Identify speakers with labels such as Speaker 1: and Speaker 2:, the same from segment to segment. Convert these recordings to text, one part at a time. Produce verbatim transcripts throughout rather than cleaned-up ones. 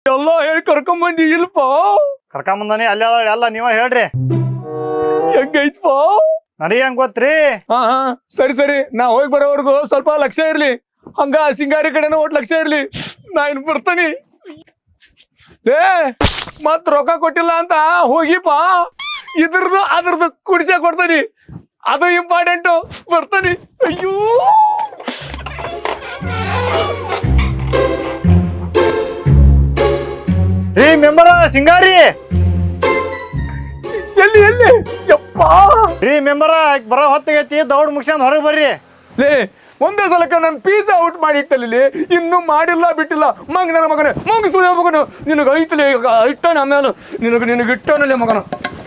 Speaker 1: ಎಲ್ಲ ಹೇಳಿ ಕರ್ಕೊಂಬಂದಿ ಇಲ್ಪ
Speaker 2: ಕರ್ಕೊಂಬಂದಾನಿ ಅಲ್ಲಿ ಎಲ್ಲ ನೀವ ಹೇಳ್ರಿ
Speaker 1: ಹೆಂಗೈತ್ಪ
Speaker 2: ನನಗೆ ಹೆಂಗ್ ಗೊತ್ತ್ರಿ
Speaker 1: ಹಾ ಹಾ ಸರಿ ಸರಿ ನಾ ಹೋಗಿ ಬರೋವರ್ಗು ಸ್ವಲ್ಪ ಲಕ್ಷ ಇರ್ಲಿ ಹಂಗ ಸಿಂಗಾರಿ ಕಡೆನ ಒಟ್ ಲಕ್ಷ ಇರ್ಲಿ ನಾ ಇನ್ ಬರ್ತಾನಿ ಏ ಮತ್ ರೊಕ್ಕ ಕೊಟ್ಟಿಲ್ಲ ಅಂತ ಹೋಗಿಪ್ಪ ಇದ್ರದ್ದು ಅದ್ರದ್ದು ಕುಡಿಸ ಕೊಡ್ತಾನಿ ಅದು ಇಂಪಾರ್ಟೆಂಟು ಬರ್ತಾನಿ ಅಯ್ಯೋ
Speaker 2: ರೀ ಮೆಂಬರ ಸಿಂಗಾರಿ
Speaker 1: ಎಲ್ಲಿ ಎಲ್ಲಿ ಯಪ್ಪ
Speaker 2: ರೀ ಮೆಂಬರ ಬರೋ ಹೊತ್ತಿಗೈತಿ ದೌಡ್ ಮುಗಿಸ್ಕೊಂಡ್ ಹೊರಗೆ ಬರ್ರಿ
Speaker 1: ಲೇ ಒಂದೇ ಸಲಕ್ಕೆ ನಾನು ಪಿಜ್ಜಾ ಔಟ್ ಮಾಡಿ ಇಟ್ಟಲ್ಲಿ ಇನ್ನೂ ಮಾಡಿಲ್ಲ ಬಿಟ್ಟಿಲ್ಲ ಮಂಗ ನನ್ನ ಮಗನೇ ಮಂಗ ಸುಳ್ಳ ಮಗನು ನಿನಗೆ ಐತಲೇ ಈಗ ಇಟ್ಟಾನ ಆಮೇಲೆ ನಿನಗೆ ನಿನಗೆ ಇಟ್ಟಾನಲ್ಲೇ ಮಗನ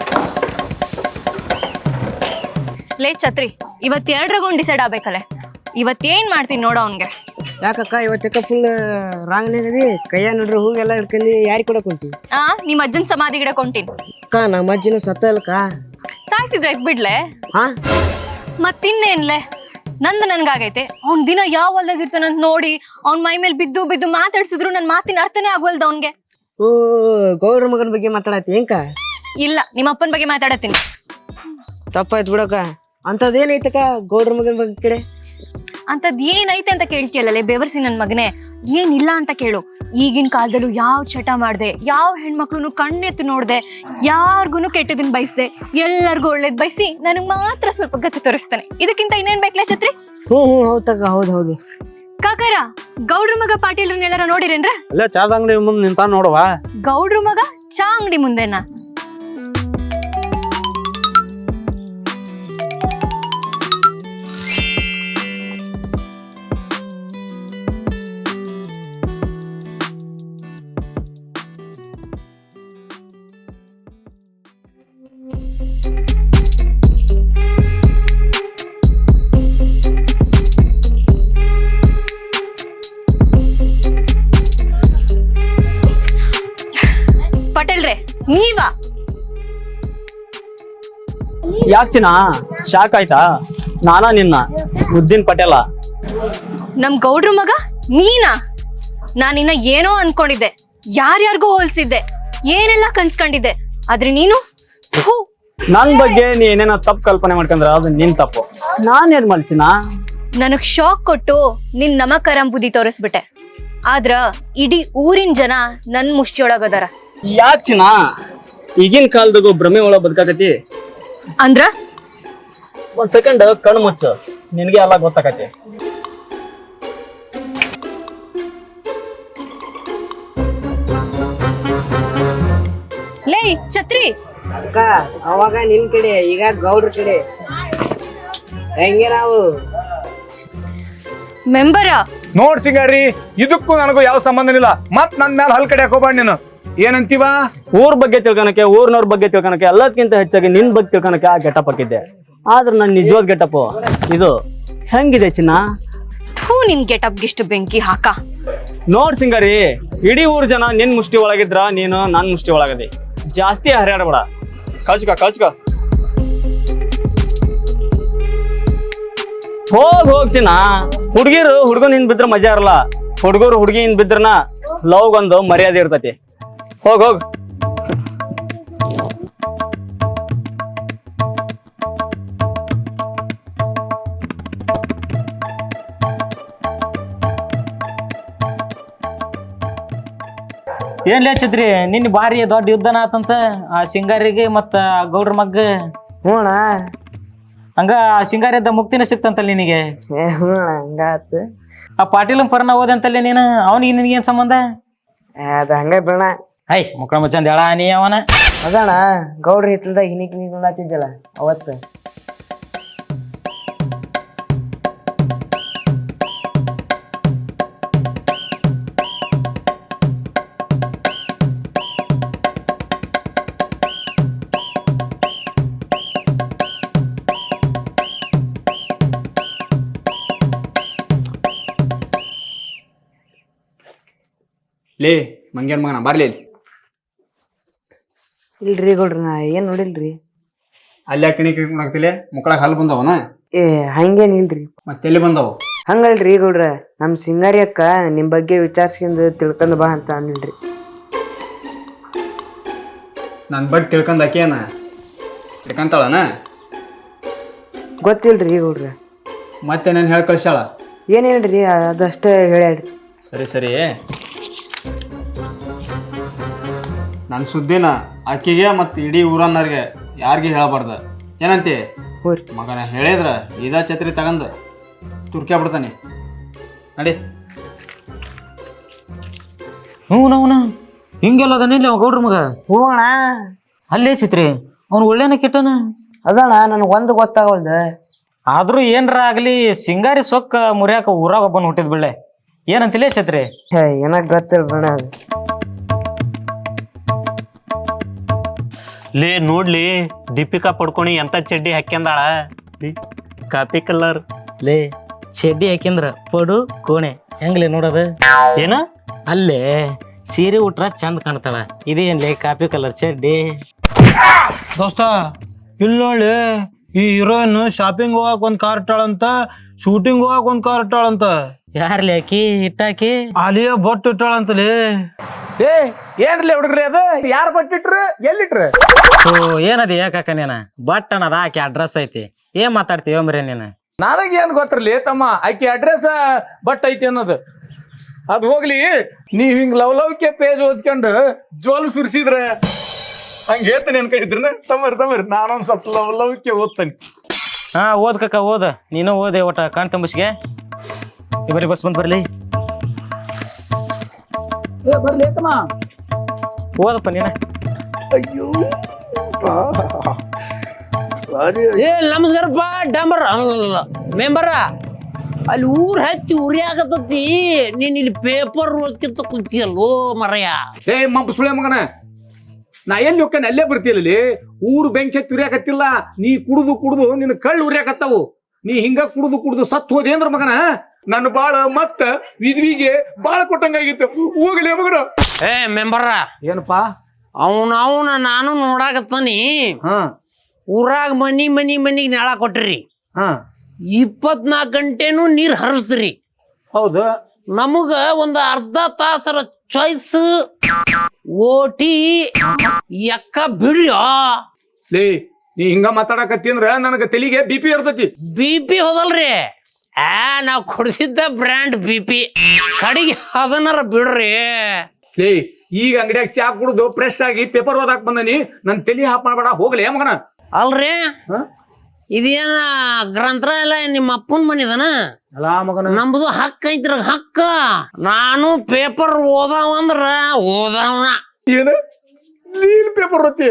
Speaker 3: ಲೇ ಛತ್ರಿ ಇವತ್ ಎರಡ್ರಾಗೊಂಡ್ ಡಿಸೈಡ್ ಆಗ್ಬೇಕಲ್ಲೇ ಇವತ್ತೇನ್ ಮಾಡ್ತೀನಿ ನೋಡ ಅವನ್ಗೆ
Speaker 4: ಯಾಕಕ್ಕ ಇವತ್ತಕ್ಕ ಫುಲ್ ರಾಂಗ್ ನಗದಿ ಕೈಯ ನೋಡ್ರಿ ಹೂಗೆಲ್ಲ ಹಿಡ್ಕೊಂಡು ಯಾರಿಗೆ ಕೊಡಕ್ ಹೊಂಟಿ
Speaker 3: ಆ ನಿಮ್ ಅಜ್ಜನ್ ಸಮಾಧಿ ಗಿಡ ಕೊಂಟೀನಿ
Speaker 4: ಅಕ್ಕ ನಮ್ಮ ಅಜ್ಜಿನ ಸತ್ತ ಅಲ್ಕ
Speaker 3: ಸಾಯ್ಸಿದ್ರೆ ಬಿಡ್ಲೆ
Speaker 4: ಹಾ
Speaker 3: ಮತ್ತಿನ್ನೇನ್ಲೆ ನಂದು ನನ್ಗಾಗೈತೆ ಅವ್ನ್ ದಿನ ಯಾವ ಹೊಲ್ದಾಗ ಇರ್ತಾನಂತ ನೋಡಿ ಅವ್ನ್ ಮೈ ಮೇಲೆ ಬಿದ್ದು ಬಿದ್ದು ಮಾತಾಡ್ಸಿದ್ರು ನನ್ ಮಾತಿನ ಅರ್ಥನೇ ಆಗ್ವಲ್ದ ಅವ್ನ್ಗೆ
Speaker 4: ಓ ಗೌರ ಮಗನ ಬಗ್ಗೆ ಮಾತಾಡತ್ತಿ ಏನ್ಕ
Speaker 3: ಇಲ್ಲ ನಿಮ್ಮ ಅಪ್ಪನ ಬಗ್ಗೆ ಮಾತಾಡತ್ತೀನಿ
Speaker 4: ತಪ್ಪಾಯ್ತು ಬಿಡಕ್ಕ ಅಂತದೇನೈತಕ್ಕ ಗೌಡ್ರ ಮಗನ ಬಗ್ಗೆ ಕಡೆ
Speaker 3: ಅಂತದ್ ಏನೈತೆ ಅಂತ ಕೇಳ್ತಿಯಲ್ಲೇ ಬೆವರ್ಸಿ ನನ್ ಮಗನೇ ಏನಿಲ್ಲ ಅಂತ ಕೇಳು ಈಗಿನ ಕಾಲದಲ್ಲೂ ಯಾವ ಚಟ ಮಾಡ್ದೆ ಯಾವ ಹೆಣ್ಮಕ್ಳು ಕಣ್ಣೆತ್ತು ನೋಡ್ದೆ ಯಾರ್ಗುನು ಕೆಟ್ಟದನ್ನ ಬಯಸ್ದೆ ಎಲ್ಲರಿಗೂ ಒಳ್ಳೇದ್ ಬಯಸಿ ನನಗ್ ಮಾತ್ರ ಸ್ವಲ್ಪ ಗತಿ ತೋರಿಸ್ತಾನೆ ಇದಕ್ಕಿಂತ ಇನ್ನೇನ್ ಬೇಕಲ್ಲ ಛತ್ರಿ
Speaker 4: ಹ್ಞೂ ಹ್ಞೂ ಹೌದಕ್ಕ ಹೌದು ಹೌದು
Speaker 3: ಕಾಕಾರ ಗೌಡ್ರ ಮಗ ಪಾಟೀಲ್ರನ್ನೆಲ್ಲಾರ ನೋಡಿರೇನ್ರ
Speaker 5: ಅಲ್ಲೇ ಚಾದ ಅಂಗಡಿ ಮುಂದೆ ನಿಂತ ನೋಡುವ
Speaker 3: ಗೌಡ್ರ ಮಗ ಚಾ ಅಂಗಡಿ ಮುಂದೆನಾ ಪಟೇಲ್ರೆ ನೀವಾ
Speaker 5: ಯಾಚಿನ ಶಾಕ್ ಆಯ್ತಾ ನಾನಾ ನಿನ್ನ ಮುದ್ದಿನ ಪಟೇಲ
Speaker 3: ನಮ್ ಗೌಡ್ರ ಮಗ ನೀನಾ ನಾನಿನ್ನ ಏನೋ ಅನ್ಕೊಂಡಿದ್ದೆ ಯಾರ್ಯಾರಿಗೋ ಹೋಲ್ಸಿದ್ದೆ ಏನೆಲ್ಲ ಕನ್ಸ್ಕೊಂಡಿದ್ದೆ ಆದ್ರೆ ನೀನು ಥು.
Speaker 5: ನನ್ ಬಗ್ಗೆ ನೀ ಏನೇನ ತಪ್ಪು ಕಲ್ಪನೆ ಮಾಡ್ಕೊಂಡ್ರ ಅದು ನಿನ್ ತಪ್ಪು ನಾನ್ ಏನ್ ಮಾಡ್ತೀನ
Speaker 3: ನನಗ್ ಶಾಕ್ ಕೊಟ್ಟು ನಿನ್ ನಮಕರಂ ಬುದ್ಧಿ ತೋರಿಸ್ಬಿಟ್ಟೆ ಆದ್ರ ಇಡೀ ಊರಿನ ಜನ ನನ್ ಮುಷ್ಟಿಯೊಳಗದಾರ
Speaker 5: ಯಾಚಿನ ಈಗಿನ ಕಾಲದಾಗೂ ಭ್ರಮೆ ಒಳಗ ಬದುಕಾಕತಿ
Speaker 3: ಅಂದ್ರ
Speaker 5: ಒಂದ್ ಸೆಕೆಂಡ್ ಕಣ್ಣು ಮುಚ್ಚು ನಿನಗೆ ಎಲ್ಲ ಗೊತ್ತಾಕತಿ
Speaker 3: ಲೇ ಛತ್ರಿ
Speaker 4: ಅಕ್ಕ ಅವಾಗ ನಿನ್ ಕಡೆ ಈಗ ಗೌಡ್ರ ಕಡೆ ಹೆಂಗೆ ನಾವು
Speaker 3: ಮೆಂಬರ
Speaker 1: ನೋಡ್ ಸಿಂಗಾರಿ ಇದಕ್ಕೂ ನನಗೂ ಯಾವ ಸಂಬಂಧನಿಲ್ಲ ಮತ್ ನನ್ ಮೇಲೆ ಹಲ್ ಕಡೆ ಹಾಕೋಬೇಡ ನೀನು ಏನಂತೀವ
Speaker 5: ಊರ್ ಬಗ್ಗೆ ತಿಳ್ಕೊಳಕ್ಕೆ ಊರ್ನವ್ರ ಬಗ್ಗೆ ತಿಳ್ಕೊಳಕ್ಕೆ ಎಲ್ಲದಕ್ಕಿಂತ ಹೆಚ್ಚಾಗಿ ನಿನ್ ಬಗ್ಗೆ ತಿಳ್ಕೊಳಕ್ಕೆ ಆ ಗೆಟಪ್ ಹಾಕಿದ್ದೆ ಆದ್ರೆ ನನ್ ನಿಜವಾದ ಗೆಟಪ್ ಇದು ಹೆಂಗಿದೆ ಚಿನ್ನ
Speaker 3: ಥೂ ನಿನ್ ಗೆಟಪ್ ಗಿಷ್ಟು ಬೆಂಕಿ ಹಾಕ
Speaker 5: ನೋಡ್ ಸಿಂಗಾರಿ ಇಡೀ ಊರ್ ಜನ ನಿನ್ ಮುಷ್ಟಿ ಒಳಗಿದ್ರ ನೀನು ನನ್ ಮುಷ್ಟಿ ಒಳಗದಿ ಜಾಸ್ತಿ ಹರಿಯಾಡಬೇಡ ಕಚ್ಕ ಕಚ್ಕ ಹೋಗ್ ಹೋಗ್ ಚಿನ್ನ ಹುಡ್ಗಿರು ಹುಡ್ಗನ್ ಹಿಂದ್ ಬಿದ್ರ ಮಜಾ ಇರಲ್ಲ ಹುಡ್ಗರು ಹುಡ್ಗಿ ಹಿಂದ್ ಬಿದ್ರನ ಲವ್ ಒಂದು ಮರ್ಯಾದೆ ಇರ್ತತಿ ಹೋಗ್ ಹೋಗ್
Speaker 6: ಏನ್ ಲೇಚಿದ್ರಿ ನಿನ್ನ ಬಾರಿ ದೊಡ್ಡ ಯುದ್ಧನ ಆತಂತ ಆ ಸಿಂಗಾರಿಗೆ ಮತ್ತ ಗೌಡ್ರ ಮಗ್ಗ
Speaker 4: ಹ್ಞೂಣ
Speaker 6: ಹಂಗ ಆ ಸಿಂಗಾರಿದ್ದ ಮುಕ್ತಿನ ಸಿಕ್ತಂತಲ್ಲ ನಿನಗೆ
Speaker 4: ಏ ಹ್ಞೂ ಹಂಗಾತು
Speaker 6: ಆ ಪಾಟೀಲನ್ ಪರ್ನ ಓದಂತಲ್ಲಿ ನೀನು ಅವನಿಗೆ ನಿನಗೇನ್ ಸಂಬಂಧ
Speaker 4: ಅದ ಹಂಗ ಬಿಡಣ
Speaker 6: ಐ ಮುಕ್ಕಳ ಮುಚ್ಚಂದ ಹೇಳ ನೀ ಅವನ
Speaker 4: ಅದಣ್ಣ ಗೌಡ್ರ ಹಿತ್ತಲ್ದಾಗ ಹಿನಿಕ್ ನೀಕ್ ನೋಡತ್ತಿದ್ದಲ್ಲ ಅವತ್ತು
Speaker 1: ಲೇ ಮಂಗ್ಯಾನ್ ಮಗನ ಬರ್ಲಿ ಇಲ್ಲಿ
Speaker 4: ಇಲ್ರಿ ಗೌಡ್ರ ನಾ ಏನ್ ನೋಡಿಲ್ರಿ
Speaker 1: ಅಲ್ಲೇ ಕಣಿ ಕಣಾಕ್ತಿಲೆ ಮುಕ್ಕಳಾಗ ಹಲ್ ಬಂದವನ
Speaker 4: ಏ ಹಂಗೇನ್ ಇಲ್ರಿ
Speaker 1: ಮತ್ತೆಲ್ಲಿ ಬಂದವು
Speaker 4: ಹಂಗಲ್ರಿ ಗೌಡ್ರ ನಮ್ ಸಿಂಗಾರಿ ಅಕ್ಕ ನಿಮ್ ಬಗ್ಗೆ ವಿಚಾರಿಸ್ಕೊಂಡು ತಿಳ್ಕೊಂಡ್ ಬಾ ಅಂತ ಅಂದಿಲ್ರಿ
Speaker 2: ನನ್ನ ಬಗ್ಗೆ ತಿಳ್ಕೊಂಡ್ ಆಕೇನ ತಿಳ್ಕೊಂತಾಳನ
Speaker 4: ಗೊತ್ತಿಲ್ರಿ ಗೌಡ್ರ.
Speaker 2: ಮತ್ತೆ ನಾನು ಹೇಳಿ ಕಳ್ಸ್ಯಾಳ.
Speaker 4: ಏನೇನ್ರಿ ಅದಷ್ಟೇ ಹೇಳ್ಯಾಡ್ರಿ.
Speaker 2: ಸರಿ ಸರಿ ನನ್ನ ಸುದ್ದಿನ ಆಕಿಗೆ ಮತ್ತು ಇಡೀ ಊರನ್ನವ್ರಿಗೆ ಯಾರಿಗೆ ಹೇಳಬಾರ್ದ ಏನಂತಿ?
Speaker 4: ಹ್ಞೂ ರೀ.
Speaker 2: ಮಗನ ಹೇಳಿದ್ರ ಇದ ಛತ್ರಿ ತಗಂದು ತುರ್ಕ್ಯಾ ಬಿಡ್ತಾನೆ ನಡಿ.
Speaker 6: ಹ್ಞೂ ನವ್ನ ಹಿಂಗೆಲ್ಲ ಅದನ್ನಿಲ್ಲ ಗೌಡ್ರ ಮಗ.
Speaker 4: ಹ್ಞೂ ಅಣ್ಣ.
Speaker 6: ಅಲ್ಲೇ ಚಿತ್ರಿ ಅವ್ನು ಒಳ್ಳೆನ ಕೆಟ್ಟನ
Speaker 4: ಅದಣ್ಣ ನನಗೆ ಒಂದು ಗೊತ್ತಾಗಲ್ದ.
Speaker 6: ಆದ್ರೂ ಏನ್ರ ಆಗ್ಲಿ ಸಿಂಗಾರಿ ಸೊಕ್ಕ ಮುರಿಯಾಕ ಊರಾಗ ಒಬ್ಬನ್ ಹುಟ್ಟಿದ್ ಬಿಳ್ಳೆ ಏನಂತಿಲ್ಲ ಛತ್ರಿ.
Speaker 4: ಹೇ ಏನಾಗ ಗೊತ್ತಿಲ್ಲ ಬಣ್ಣ ಅದು.
Speaker 5: ಲೇ ನೋಡ್ಲಿ ದೀಪಿಕಾ ಪಡ್ಕೊಣಿ ಎಂತ ಚಡ್ಡಿ ಹಾಕ್ಯಂದಾಳ, ಕಾಪಿ ಕಲರ್.
Speaker 6: ಲೇ ಚಡ್ಡಿ ಹಾಕಿಂದ್ರ ಪಡು ಕೋಣೆ ಹೆಂಗ್ಲೇ ನೋಡೋದು
Speaker 5: ಏನ?
Speaker 6: ಅಲ್ಲೇ ಸೀರೆ ಉಟ್ರ ಚಂದ ಕಾಣ್ತಾಳ, ಇದೇನ್ಲೇ ಕಾಪಿ ಕಲರ್ ಚಡ್ಡಿ.
Speaker 1: ದೋಸ್ತ ಇಲ್ಲೊಳ್ಳಿ ಈ ಹೀರೋಯಿನ್ ಶಾಪಿಂಗ್ ಹೋಗಕ್ ಒಂದ್ ಕಾರ್ ಇಟ್ಟಾಳಂತ, ಶೂಟಿಂಗ್ ಹೋಗಕ್ ಒಂದ್ ಕಾರ್ ಇಟ್ಟಾಳಂತ.
Speaker 6: ಯಾರ್ಲಿ ಹಾಕಿ ಇಟ್ಟಾಕಿ
Speaker 1: ಅಲಿಯ ಬೊಟ್ಟು ಇಟ್ಟಾಳಂತಲೇ. ಏ ಏನ್ರಲ್ಲ ಹುಡುಗ್ರಿ ಅದು ಯಾರು ಬಟ್ಟಿಟ್ರು ಎಲ್ಲಿಟ್ರು?
Speaker 6: ಓ ಏನದ ಯಾಕಾಕ ನೀನ ಬಟ್ ಅನ್ನದ ಆಕಿ ಅಡ್ರೆಸ್ ಐತಿ ಏನ್ ಮಾತಾಡ್ತೀವ ಮರಿ ನೀನು?
Speaker 1: ನನಗೆ ಏನ್ ಗೊತ್ತಿರ್ಲಿ ತಮ್ಮ, ಆಕಿ ಅಡ್ರೆಸ್ ಬಟ್ ಐತಿ ಅನ್ನೋದು ಅದು ಹೋಗ್ಲಿ. ನೀವ್ ಹಿಂಗ್ ಲವ್ ಲವ್ಕೆ ಪೇಜ್ ಓದ್ಕೊಂಡು ಜೋಲ್ ಸುರ್ಸಿದ್ರ ಹಂಗ ಹೇಳ್ತಾನೆ ಏನ್ ಕಡಿದ್ರನ ತಮ್ಮರ್ ತಮ್ಮರ್ ನಾನೊಂದ್ ಸ್ವಲ್ಪ ಲವ್ ಲವ್ಕೆ ಓದ್ತಾನೆ.
Speaker 6: ಹಾ ಓದ್ ಕಕ್ಕ ಓದ, ನೀನು ಓದೆ ಒಟ್ಟ ಕಾಣ್ ತಂಬಿಸ್ಗೆ ಬರೀ ಬಸ್ ಬಂದ್ ಬರ್ಲಿ
Speaker 1: ಬರ್ಲಿ ತಮ್ಮ.
Speaker 6: ಓದಪ್ಪ ನೀನ.
Speaker 7: ಏ ನಮಸ್ಕಾರಪ್ಪ ಡಾಂಬರ್ ಮೆಂಬರ. ಅಲ್ಲಿ ಊರ್ ಹತ್ತಿ ಉರಿ ಆಗತತಿ, ನೀನ್ ಇಲ್ಲಿ ಪೇಪರ್ ಓದ್ಕಿಂತ ಕುಂತಿಯಲ್ಲೋ ಮರಯ.
Speaker 1: ಏ ಮಂಪ ಸುಳೆ ಮಗನ, ನಾ ಎಲ್ಲಿ ಹೋಗ್ತಾನೆ ಅಲ್ಲೇ ಬರ್ತೀಯಲ್ಲಿ. ಊರು ಬೆಂಕಿ ಹತ್ತಿ ಉರಿಯಾಕತ್ತಿಲ್ಲ, ನೀ ಕುಡ್ದು ಕುಡ್ದು ನಿನ್ನ ಕಳ್ಳು ಉರಿಯಾಕತ್ತಾವು. ನೀ ಹಿಂಗ ಕುಡ್ದು ಕುಡ್ದು ಸತ್ತು ಹೋದೆ ಅಂದ್ರ ಮಗನ ನನ್ನ ಬಾಳ ಮತ್ತ ವಿದ್ವಿಗೆ ಬಾಳ ಕೊಟ್ಟಂಗಾಗಿತ್ತು. ಹೋಗಲಿ ಮಗನ.
Speaker 7: ಏ ಮೆಂಬರ
Speaker 1: ಏನಪ್ಪಾ?
Speaker 7: ಅವನ ಅವನ ನಾನು ನೋಡಾಕತ್ತಾನಿ.
Speaker 1: ಹಾ
Speaker 7: ಊರಾಗ ಮನಿ ಮನಿ ಮನಿಗ್ ನೆಳ ಕೊಟ್ರಿ,
Speaker 1: ಹಾ
Speaker 7: ಇಪ್ಪತ್ನಾಲ್ಕು ಗಂಟೆನೂ ನೀರ್ ಹರಿಸ್ತೀರಿ.
Speaker 1: ಹೌದು.
Speaker 7: ನಮಗ ಒಂದು ಅರ್ಧ ತಾಸರ ಚಾಯ್ಸ್ ಓಟಿ ಎಕ್ಕ ಬಿಡ್ಯೋ.
Speaker 1: ಲೇ ನೀ ಹಿಂಗ ಮಾತಾಡಕತ್ತಿ ಅಂದ್ರ ನನಗ ತಲಿಗೆ ಬಿ ಪಿ ಇರ್ತೈತಿ.
Speaker 7: ಬಿ ಪಿ ಹೋದಲ್ರಿ, ಆ ನಾವ್ ಕೊಡ್ಸಿದ್ದ ಬ್ರ್ಯಾಂಡ್ ಬಿ ಪಿ ಕಡೆಗೆ ಅದನ್ನಾರ ಬಿಡ್ರಿ.
Speaker 1: ಲೇ ಈಗ ಅಂಗಡಿಯಾಗ ಚಾ ಕುಡ್ದು ಫ್ರೆಶ್ ಆಗಿ ಪೇಪರ್ ಓದಾಕ್ ಬಂದನಿ, ನನ್ ತಲಿ ಹಾಪ್ ಮಾಡ್ಬೇಡ. ಹೋಗ್ಲಿ ಮಗನ.
Speaker 7: ಅಲ್ರಿ
Speaker 1: ಹಾ?
Speaker 7: ಇದೇನ ಗ್ರಂಥಾಲಯ ನಿಮ್ಮ ಅಪ್ಪನ ಮನಿದನ?
Speaker 1: ಅಲಾ ಮಗನ,
Speaker 7: ನಮ್ದು ಹಕ್ಕ ಐತ್ರ ಹಕ್ಕ. ನಾನು ಪೇಪರ್ ಓದಾವಂದ್ರ ಓದಾವನ.
Speaker 1: ಏನ ನೀನ್ ಪೇಪರ್ ಓದ್ತಿ?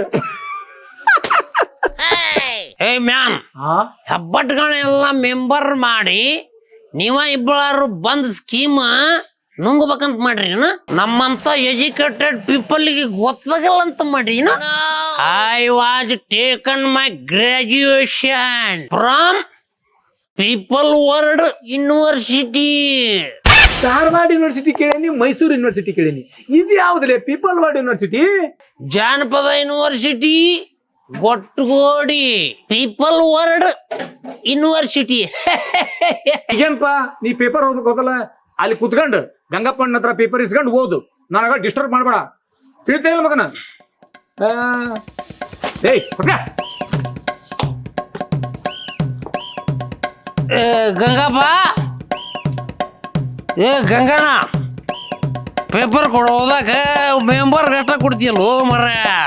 Speaker 7: ಏ ಮ್ಯಾನ್, ಹೆಬ್ಬಟ್ಗಳೆಲ್ಲ ಮೆಂಬರ್ ಮಾಡಿ ನೀವ ಇಬ್ಬಳಾರು ಬಂದ್ ಸ್ಕೀಮ್ ನುಂಗ್ಬೇಕಂತ ಮಾಡ್ರಿ. ನಮ್ಮಂತ ಎಜುಕೇಟೆಡ್ ಪೀಪಲ್ಗೆ ಗೊತ್ತಾಗಲ್ಲ ಅಂತ ಮಾಡ್ರಿ. I was taken my graduation from people world university.
Speaker 1: Dharwad university ಕೇಳೇನಿ, ಮೈಸೂರು ಯೂನಿವರ್ಸಿಟಿ ಕೇಳೇನಿ, ಇದು ಯಾವ್ದಲೇ ಪೀಪಲ್ ವರ್ಲ್ಡ್ ಯೂನಿವರ್ಸಿಟಿ?
Speaker 7: ಜಾನಪದ university Gotagodi people world university.
Speaker 1: ಏನಪ್ಪಾ ನೀ ಪೇಪರ್ ಓದಕ್ ಹೋದಲ್ಲ, ಅಲ್ಲಿ ಕುತ್ಕೊಂಡು ಗಂಗಪ್ಪನ ಹತ್ರ ಪೇಪರ್ ಇಸ್ಕೊಂಡು ಓದು, ನನಗ ಡಿಸ್ಟರ್ಬ್ ಮಾಡ್ಬೇಡ. ತಿಳಿತಾ ಇಲ್ಲ ಮಗನ? ಏಯ್
Speaker 7: ಏ ಗಂಗಪ್ಪ, ಏ ಗಂಗಣ್ಣ, ಪೇಪರ್ ಕೊಡೋದಾಗ ಮೆಂಬರ್ ಗಟ್ಟ ಕೊಡ್ತೀಯಲ್ಲೋ ಮರ.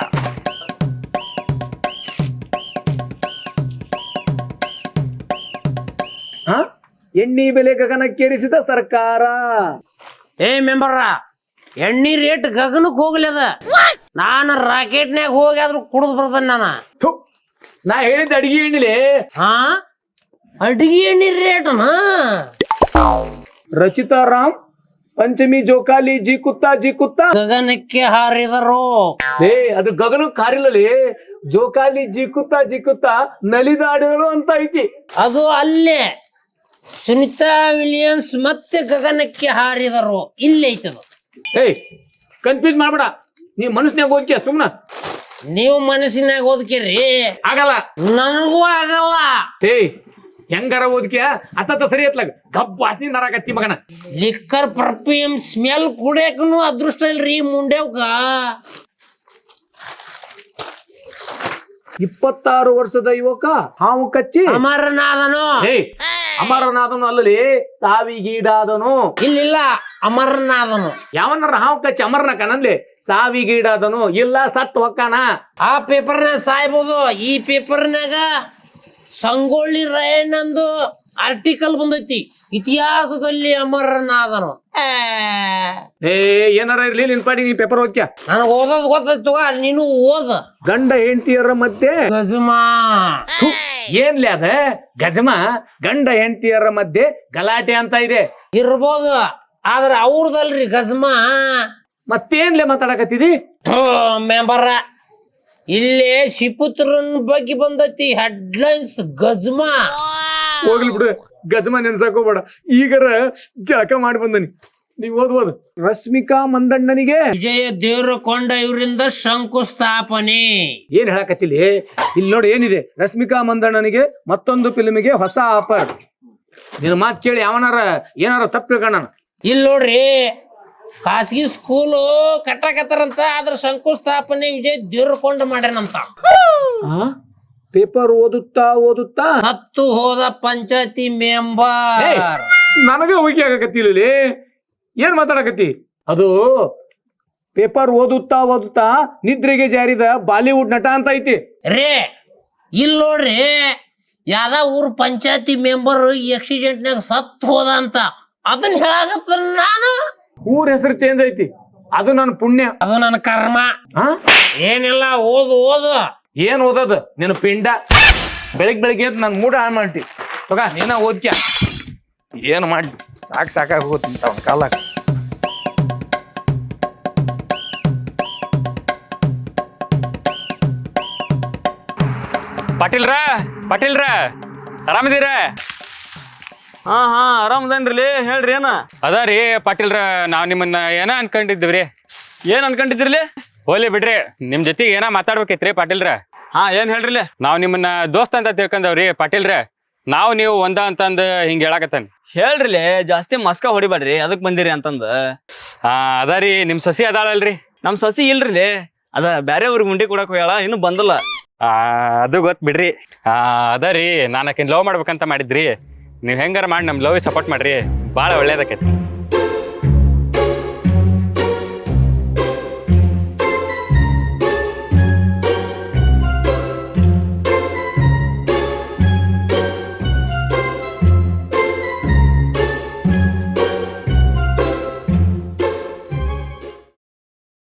Speaker 1: ಎಣ್ಣಿ ಬೆಲೆ ಗಗನಕ್ಕೇರಿಸಿದ ಸರ್ಕಾರ.
Speaker 7: ಏ ಮೆಂಬರ, ಎಣ್ಣಿ ರೇಟ್ ಗಗನಕ್ಕೆ ಹೋಗ್ಲಿ ಅದ. ನಾನು ರಾಕೆಟ್ನ್ಯಾಗ ಹೋಗಿ ಆದ್ರೂ ಕುಡಿದು ಬರ್ತಾನೆ ನಾನು.
Speaker 1: ಥು, ನಾ ಹೇಳಿದ ಅಡಿಗೆ ಎಣ್ಣಿಲೆ.
Speaker 7: ಹಾ ಅಡಿಗೆ ಎಣ್ಣಿ ರೇಟನ?
Speaker 1: ರಚಿತಾ ರಾಮ್ ಪಂಚಮಿ ಜೋಕಾಲಿ ಜಿ ಕುತ್ತಾ ಜಿ ಕುತ್ತಾ
Speaker 7: ಗಗನಕ್ಕೆ ಹಾರಿದರು.
Speaker 1: ಏ ಅದು ಗಗನಕ್ಕೆ ಹಾರಿಲ್ಲಲಿ, ಜೋಕಾಲಿ ಜಿ ಕುತ್ತಾ ಜಿ ಕುತ್ತಾ ನಲಿದಾಡಿಗಳು ಅಂತ ಐತಿ.
Speaker 7: ಅದು ಅಲ್ಲೇ ಸುನಿತಾ ವಿಲಿಯಮ್ಸ್ ಮತ್ತೆ ಗಗನಕ್ಕೆ ಹಾರಿದರು, ಇಲ್ಲೇ ಐತದು.
Speaker 1: ಏಯ್ ಕನ್ಫ್ಯೂಸ್ ಮಾಡ್ಬೇಡ, ನೀ ಮನಸ್ಸಿನಾಗ ಹೋಗ್ಯ ಸುಮ್ನ.
Speaker 7: ನೀವು ಮನಸ್ಸಿನಾಗ ಓದ್ಕಿರಿ,
Speaker 1: ಆಗಲ್ಲ.
Speaker 7: ನನಗೂ ಆಗಲ್ಲ.
Speaker 1: ಏಯ್ ಹೆಂಗಾರ ಓದ್ಕ್ಯ ಅತ್ತ ಸರಿ ಎತ್ಲಾಗ ಗಬ್ಬ ವಾಸನಿ ನರಾಕತ್ತಿ ಮಗನ.
Speaker 7: ಲಿಕ್ಕರ್ ಪರ್ಫ್ಯೂಮ್ ಸ್ಮೆಲ್ ಕುಡಿಯಕನು ಅದೃಷ್ಟ ಇಲ್ರಿ ಮುಂಡೆವ್ಗ.
Speaker 1: ಇಪ್ಪತ್ತಾರು ವರ್ಷದ ಯುವಕ ಹಾವು ಕಚ್ಚಿ
Speaker 7: ಅಮರನಾದನು
Speaker 1: ಏಯ್ ಅಮರನಾದನು ಅಲ್ಲಲಿ ಸಾವಿಗೀಡಾದನು.
Speaker 7: ಇಲ್ಲಿಲ್ಲ ಅಮರನಾದನು.
Speaker 1: ಯಾವನಾರ ಹಾವು ಕಚ್ಚಿ ಅಮರನ ಕಣನ್ಲಿ ಸಾವಿಗೀಡಾದನು ಇಲ್ಲ ಸತ್ ಹೊಕ್ಕಾನ.
Speaker 7: ಆ ಪೇಪರ್ನಾಗ ಸಾಯ್ಬೋದು. ಈ ಪೇಪರ್ನಾಗ ಸಂಗೊಳ್ಳಿ ರಾಯಣ್ಣಂದು ಆರ್ಟಿಕಲ್ ಬಂದೈತಿ, ಇತಿಹಾಸದಲ್ಲಿ ಅಮರನಾದನು.
Speaker 1: ಏ ಏನಾರ ಇರ್ಲಿ ನಿನ್ ಪಾಡಿ ನೀ ಪೇಪರ್ ಓದ್ಕ್ಯ.
Speaker 7: ನನಗೆ ಓದೋದು ಗೊತ್ತಾಯ್ತು, ನೀನು ಓದ.
Speaker 1: ಗಂಡ ಹೆಂಡತಿಯರ ಮಧ್ಯೆ
Speaker 7: ಗಜಮಾ
Speaker 1: ಥು, ಏನ್ಲಿ ಅದ ಗಜಮ ಗಂಡ ಹೆಂಡತಿಯರ ಮಧ್ಯೆ ಗಲಾಟೆ ಅಂತ ಇದೆ.
Speaker 7: ಇರ್ಬೋದು, ಆದ್ರ ಅವ್ರದಲ್ರಿ ಗಜಮಾ.
Speaker 1: ಮತ್ತೇನ್ಲೆ ಮಾತಾಡಕತ್ತಿದಿ?
Speaker 7: ಮೆಂಬರ ಇಲ್ಲೇ ಶಿಪುತ್ರನ್ ಬಗ್ಗೆ ಬಂದೈತಿ ಹೆಡ್ಲೈನ್ಸ್ ಗಜಮಾ.
Speaker 1: ಹೋಗ್ಲಿ ಬಿಡು, ಗಜಮ ನೆನ್ಸಾಕೋಬೇಡ. ಈಗರ ಜಳಕ ಮಾಡಿ ಬಂದನಿ, ನೀವ್ ಓದ್ಬೋದು. ರಶ್ಮಿಕಾ ಮಂದಣ್ಣನಿಗೆ
Speaker 7: ವಿಜಯ ದೇವರಕೊಂಡ ಇವರಿಂದ ಶಂಕುಸ್ಥಾಪನೆ.
Speaker 1: ಏನ್ ಹೇಳಕತ್ತಿಲಿ? ಇಲ್ಲಿ ನೋಡಿ ಏನಿದೆ, ರಶ್ಮಿಕಾ ಮಂದಣ್ಣನಿಗೆ ಮತ್ತೊಂದು ಫಿಲ್ಮಿಗೆ ಹೊಸ ಆಫರ್. ನಿನ್ನ ಮಾತು ಕೇಳಿ ಅವನಾರ ಏನಾರ ತಪ್ಪು ತಿಳ್ಕೊಂಡ.
Speaker 7: ಇಲ್ಲಿ ನೋಡ್ರಿ, ಖಾಸಗಿ ಸ್ಕೂಲು ಕಟ್ಟಕತ್ತಾರಂತ, ಅದ್ರ ಶಂಕುಸ್ಥಾಪನೆ ವಿಜಯ್ ದೇವರಕೊಂಡ ಮಾಡ್ಯಾನಂತ.
Speaker 1: ಪೇಪರ್ ಓದುತ್ತಾ ಓದುತ್ತಾ
Speaker 7: ಹತ್ತು ಹೋದ ಪಂಚಾಯತಿ ಮೆಂಬರ್.
Speaker 1: ನನಗ ಹೋಗಿ ಆಗಕತ್ತಿಲ್ಲ, ಏನ್ ಮಾತಾಡಕತ್ತಿ? ಅದು ಪೇಪರ್ ಓದುತ್ತಾ ಓದುತ್ತಾ ನಿದ್ರೆಗೆ ಜಾರಿದ ಬಾಲಿವುಡ್ ನಟ ಅಂತ ಐತಿ
Speaker 7: ರೇ. ಇಲ್ಲಿ ನೋಡ್ರಿ, ಯಾವ್ದ ಊರ್ ಪಂಚಾಯತಿ ಮೆಂಬರ್ ಆಕ್ಸಿಡೆಂಟ್ನಾಗ ಸತ್ ಹೋದ ಅಂತ ಅದನ್ನ ಹೇಳಾಕತ್ತ. ನಾನು
Speaker 1: ಊರ್ ಹೆಸರು ಚೇಂಜ್ ಐತಿ, ಅದು ನನ್ನ ಪುಣ್ಯ,
Speaker 7: ಅದು ನನ್ನ ಕರ್ಮ.
Speaker 1: ಹಾ
Speaker 7: ಏನಿಲ್ಲ, ಓದು ಓದು.
Speaker 1: ಏನ್ ಓದೋದು ನಿನ್ನ ಪಿಂಡ. ಬೆಳಿಗ್ ಬೆಳಿಗ್ಗೆ ಎದ್ದು ನನ್ ಮೂಡ ಹಾಳು ಮಾಡ್ತಿ. ತಗ ನೀನ ಓದ್ಕ್ಯ. ಏನ್ ಮಾಡಿ ಸಾಕ್ ಸಾಕಾಗಿ ಹೋಗುತ್ತಂತ ಅವನ ಕಾಲಾಗ.
Speaker 8: ಪಾಟೀಲ್ರ ಪಾಟೀಲ್ರ ಆರಾಮದೀರ?
Speaker 5: ಹಾ ಹಾ ಆರಾಮದೇನ್ರಿ, ಹೇಳ್ರಿ ಏನ
Speaker 8: ಅದ ರೀ ಪಾಟೀಲ್ರ, ನಾವ್ ನಿಮ್ಮನ್ನ ಏನ ಅನ್ಕೊಂಡಿದ್ದೀವ್ರಿ.
Speaker 5: ಏನ್ ಅನ್ಕೊಂಡಿದ್ರಿಲಿ?
Speaker 8: ಹೋಗ್ಲಿ ಬಿಡ್ರಿ, ನಿಮ್ ಜೊತೆಗೆ ಏನ ಮಾತಾಡ್ಬೇಕೈತ್ರಿ ಪಾಟೀಲ್ರ.
Speaker 5: ಹಾ ಏನ್ ಹೇಳ್ರಿಲಿ?
Speaker 8: ನಾವ್ ನಿಮ್ಮನ್ನ ದೋಸ್ತ ಅಂತ ತಿಳ್ಕೊಂಡವ್ರಿ ಪಾಟೀಲ್ರ. ನಾವು ನೀವು ಒಂದ ಅಂತಂದ್ ಹಿಂಗ ಹೇಳಾಕತ್ತಾನ.
Speaker 5: ಹೇಳ್ರಿಲಿ, ಜಾಸ್ತಿ ಮಸ್ಕ ಹೊಡಿಬೇಡ್ರಿ, ಅದಕ್ ಬಂದಿರಿ ಅಂತಂದ.
Speaker 8: ಹಾ ಅದ ರೀ, ನಿಮ್ ಸೊಸಿ ಅದಾಳಲ್ರಿ?
Speaker 5: ನಮ್ ಸಸಿ ಇಲ್ರಿ, ಅದ ಬ್ಯಾರೆ ಊರಿಗೆ ಮುಂಡಿ ಕೊಡಕ್ ಹೋಗ್ಯಾಳ, ಇನ್ನು ಬಂದಲ್ಲ.
Speaker 8: ಆ ಅದು ಗೊತ್ ಬಿಡ್ರಿ. ಆ ಅದ ರೀ, ನಾನು ಆಕಿನ್ ಲವ್ ಮಾಡ್ಬೇಕಂತ ಮಾಡಿದ್ರಿ. ನೀವ್ ಹೆಂಗಾರ ಮಾಡಿ ನಮ್ ಲವ್ ಸಪೋರ್ಟ್ ಮಾಡ್ರಿ, ಬಾಳ ಒಳ್ಳೇದಕ್ಕೈತಿ.